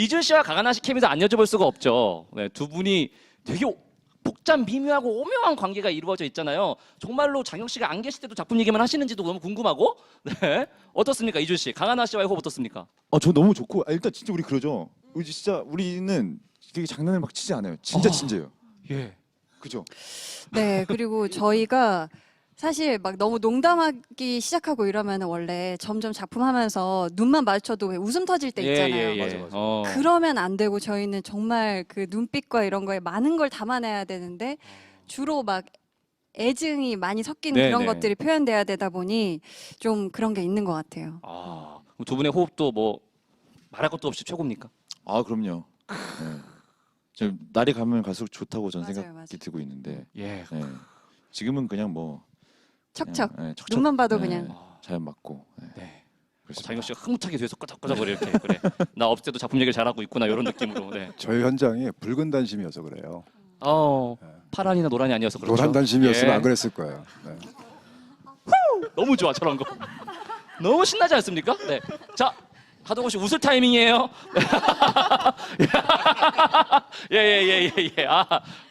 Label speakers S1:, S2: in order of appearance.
S1: 이준 씨와 강하나 씨 케미도 안 여쭤볼 수가 없죠. 네, 두 분이 되게 복잡 미묘하고 오묘한 관계가 이루어져 있잖아요. 정말로 장혁 씨가 안 계실 때도 작품 얘기만 하시는지도 너무 궁금하고. 네. 어떻습니까, 이준 씨? 강하나 씨와의 호흡 어떻습니까?
S2: 저 너무 좋고 일단 진짜 우리 그러죠. 우리 진짜 우리는 되게 장난을 막 치지 않아요. 진짜 진지해요.
S1: 예.
S2: 그죠?
S3: 네, 그리고 저희가 사실 막 너무 농담하기 시작하고 이러면 원래 점점 작품하면서 눈만 마주쳐도 왜 웃음 터질 때 있잖아요.
S2: 맞아, 맞아.
S3: 그러면 안 되고 저희는 정말 그 눈빛과 이런 거에 많은 걸 담아내야 되는데 주로 막 애증이 많이 섞인
S1: 네,
S3: 그런
S1: 네.
S3: 것들이 표현돼야 되다 보니 좀 그런 게 있는 것 같아요.
S1: 그럼 두 분의 호흡도 뭐 말할 것도 없이 최고입니까?
S2: 그럼요. 네. 지금 날이 가면 갈수록 좋다고 저는
S3: 맞아요,
S2: 생각이
S3: 맞아요.
S2: 들고 있는데
S1: 예.
S2: 네. 지금은 그냥 뭐
S3: 척척.
S2: 그냥, 척척.
S3: 눈만 봐도
S2: 네,
S3: 그냥.
S2: 자연 맞고. 네.
S1: 네.
S2: 그렇습니다.
S1: 장혁 씨가 흐뭇하게 뒤에서 끄적끄적 이렇게 그래. 나 없을 때도 작품 얘기를 잘하고 있구나 이런 느낌으로. 네.
S4: 저희 현장이 붉은 단심이어서 그래요.
S1: 파란이나 노란이 아니어서 그렇죠.
S4: 노란 단심이었으면
S1: 예.
S4: 안 그랬을 거예요. 네.
S1: 너무 좋아 저런 거. 너무 신나지 않습니까? 네. 자, 하동호 씨 웃을 타이밍이에요. 예예예예 예.